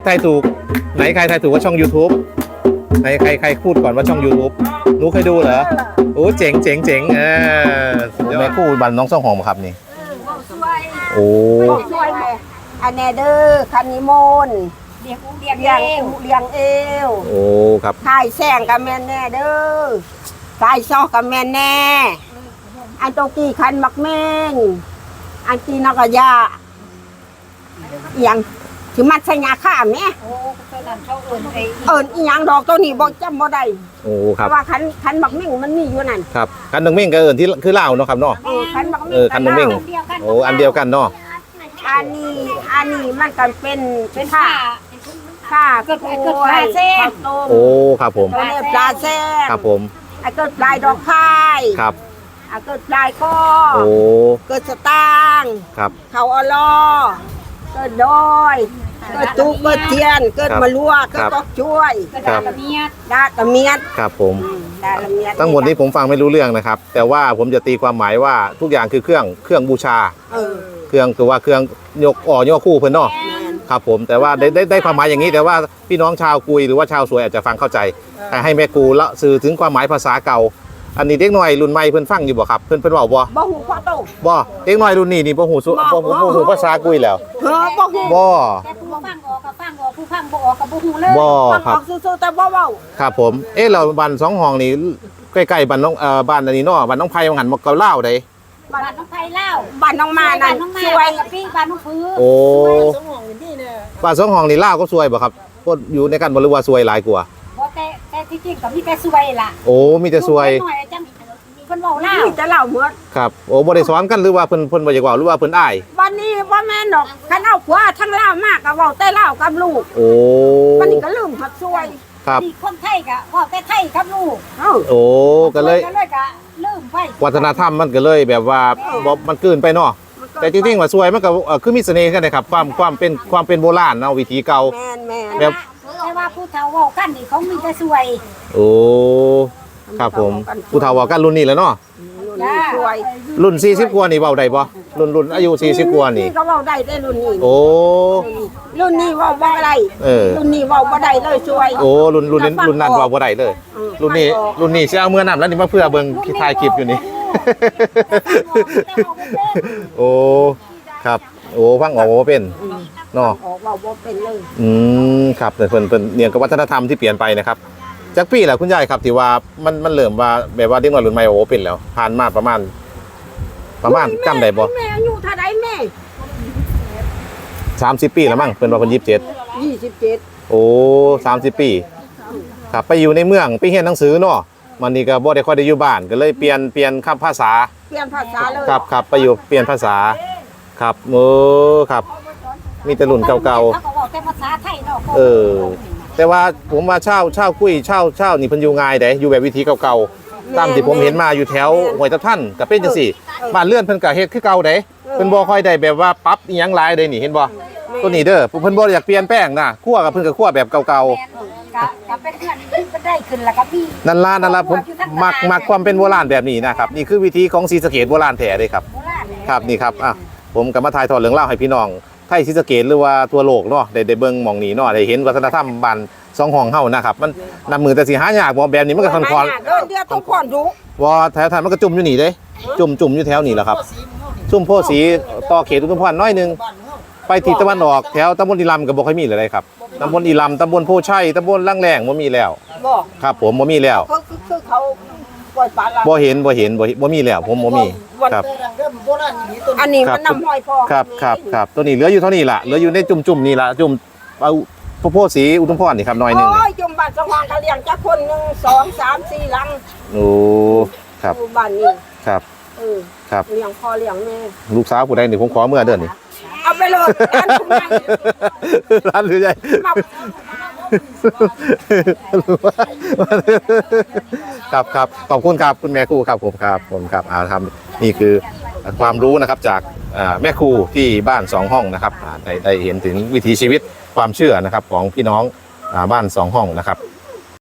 ทายถูกไหนใครทายถูกว่าช่อง YouTube ไหนใครพูดก่อนว่าช่อง YouTube หนูเคยดูเหรอโอ้เจ๋งแม่คู่บันน้องซ่องหอมครับนี่โอ้ช่วยอันแนเดอร์คันนิมนเลี้ยงเอวโอ้ครับถ่ายแสงกับแม่แน่เด้อถ่ายซอกกับแม่แน่อันโตกี้คันมักแม่งอันตีนกยาอย่างถือมัดใส่ยาฆ่าแม่อีหยังดอกตัวนี้บอกจำบ่ได้โอ้ครับว่าคันมักแม่งมันมีอยู่นั่นครับคันนึงเม่งก็ที่คือเล่าเนาะครับเนาะคันมักแม่งคันนึงเม่งโอ้อันเดียวกันเนาะอันนี้มันก็เป็นผ้าเกิดปลาเส้นโอ้ครับผมตัวนี้ปลาเส้นครับผมไอ้เกิดปลายดอกพายครับไอ้เกิดปลายข้อโอ้เกิดสตางค์ครับเขาอลอเกิดดอยเกิดตุกเกิดเทียนเกิดมะลัวเกิดตอกช่วยครับดาตะเมียดครับผมดาตะเมียดทั้งหมดนี้ผมฟังไม่รู้เรื่องนะครับ แต่ว่าผมจะตีความหมายว่าทุกอย่างคือเครื่องบูชา เครื่องคือว่าเครื่องยกคู่เพิ่นเนาะครับผมแต่ว่าได้ความหมายอย่างนี้แต่ว่าพี่น้องชาวกุยหรือว่าชาวสวยอาจจะฟังเข้าใจแต่ให้แม่กูละสื่อถึงความหมายภาษาเก่า อันนี้เด็กน้อยรุ่นใหม่เพิ่นฟังอยู่บ่ครับเพิ่นเว้าบ่บ่หูพ่อโตบ่เด็กน้อยรุ่นนี้นี่บ่ฮู้ภาษากุยแล้วบ่หูบ่แต่ผู้ฟังออกกับฟังออกผู้ฟังบ่ออกกับบ่ฮู้เลยบ่ฟังคอรัอบ กสู้ๆแต่บ่เว้าครับผมเราบ้านสองห้องนี่ใกล้ๆบ้านน้องบ้านอันนี้เนาะบ้านน้องไผ่หันมาเกาเล่าได้บ้านน้องไผ่เล่าบ้านน้องมานั่นน้องมาช่วยกับพี่บ้านน้องพื้นโอ้บ้านสองห้องนี่เล่าก็ซวยบ่ครับก็อยู่ในกันบ่หรือว่าซวยหลายกว่าบ่แต่ที่จริงก็มีแต่สวยล่ะโอ้มีแต่ซวยหน่อยจังเพิ่นเว้าเล่านี่จะเล่าหมดครับโอ้บ่ได้สอนกันหรือว่าเพิ่นบ่อยากเว้าหรือว่าเพิ่นอ้ายวันนี้บ่แม่นดอกคันเอาผัวทั้งเล่ามากก็เว้าแต่เล่ากับลูกโอ้วันนี้ก็ลืมหัดช่วยครับนี่คนไทยก็เว้าแต่ไทยกับลูกเอ้าโอ้ก็เลยก็ลืมไปวัฒนธรรมมันก็เลยแบบว่าบ่มันเกินไปเนาะแต่จริงๆว่าซวยมันก็คือมีเสน่ห์กันนะครับความเป็นโบราณเนาะวิถีเก่าแม่นแม่นแบบแต่ว่าผู้เฒ่าเว้ากันนี่เขามีแต่สวยโอ้ครับผมผู้เฒ่าว่ากันรุ่นนี้แหล้วเนาะช่วยรุ่น40กว่านี่เว้าได้บ่รุ่นอายุ40กว่านี่ก็เว้าได้แต่รุ่นนี้โอ้รุ่นนี้เว้าบ่ได้เออรุ่นนี้เว้าบ่ได้เลยช่วยโอ้รุ่นนั้นเว้าบ่ได้เลย รุ่นนี้สิเอาเมื่อนํแล้วนี่มาเพื่อเบิ่งถ่ายคลิปอยู่นี่ โอ้ครับโอ้ฟังออกบ่เป็นเนาะออกเว้าบ่เป็นเลยครับแต่เพิ่นเนี่ยกับวัฒนธรรมที่เปลี่ยนไปนะครับจากปีแหละคุณยายครับที่ว่ามันเริ่มว่าแบบว่าเด็กน้อยรุ่นใหม่โอ้เป็นแล้วผ่านมาประมาณจำได้บ่แม่อายุเท่าใดแม่ 30 ปีแล้วมั้งเพิ่นว่าเพิ่น27 27 โอ้30 ปีครับไปอยู่ในเมืองไปเรียนหนังสือเนาะมันนี่ก็บ่ได้ค่อยได้อยู่บ้านก็เลยเปลี่ยนคำภาษาเปลี่ยนภาษาเลยครับไปอยู่เปลี่ยนภาษาครับโอ้ครับมีแต่รุ่นเก่าเขาก็เว้าแต่ภาษาไทยเนาะแต่ว่าผมว่าเช่ากุ้ยเช่านี่เพิ่นอยู่ง่ายเด้อยู่แบบวิธีเก่าๆตามที่ผมเห็นมาอยู่แถวห้วยตะท่านก็เป็นจังซี่บ้านเรือนเพิ่นก็เฮ็ดคือเก่าเด้เพิ่นบ่ค่อยได้แบบว่าปรับอีหยังหลายเด้นี่เห็นบ่ตัวนี้เด้อเพิ่นบ่อยากเปลี่ยนแปลงนะคั่วกับเพิ่นก็คั่วแบบเก่าก็เป็นเพื่อนที่ก็ได้ขึ้นแล้วก็มีๆนั่นล่ะผมมักความเป็นโบราณแบบนี้นะครับนี่คือวิธีของศรีสะเกษโบราณแท้เด้ครับโบราณเนี่ยครับนี่ครับผมก็มาถ่ายทอดเรื่องเล่าวให้พี่น้องไทยศรีสะเกษหรือว่าทั่วโลกเนาะได้เบิ่งหม่องนี้เนาะได้เห็นวัฒนธรรมบ้านสองห้องเฮานะครับมันนำมือแต่สิหายากบ่แบบนี้มันก็ค่อนข้างเดือนต้องผ่อนดูว่าแถวมันก็จุ่มอยู่นี่เด้จุ่มอยู่แถวนี่แหละครับซุ่มโพสีต่อเขตอุทุมพรน้อยนึงไปทิศตะวันออกแถวตำบลอีลำก็บ่ค่อยมีเลยครับตำบลอีลำตำบลโพชัยตำบลลังแรงบ่มีแล้วบอกครับผมบ่มีแล้วคือเขาปล่อยปลาละบ่เห็นบ่มีแล้วผมบ่มีครับอันนี้มันนำห้อยพอครับตัวนี้เหลืออยู่เท่านี้ล่ะเหลืออยู่ในจุ่มนี่ล่ะจุ่มเอาโพสีอุทุมพรนี่ครับน้อยนึงโอ้ยจุ่มบ้านสว่างเขาเลี้ยงจักคน1 2 3 4หลังโอ้ครับอยู่บ้านนี้ครับ ครับเลี้ยงพ่อเลี้ยงแม่ลูกสาวผู้ใดนี่ผมขอเมื่อเดือนนี้เอาไปเลยร้านคุณใหญ่ร้านหรือใหญ่มาครับขอบคุณครับคุณแม่ครูครับผมครับทำนี่คือความรู้นะครับจากแม่ครูที่บ้าน2ห้องนะครับได้เห็นถึงวิถีชีวิตความเชื่อนะครับของพี่น้องบ้าน2ห้องนะครับ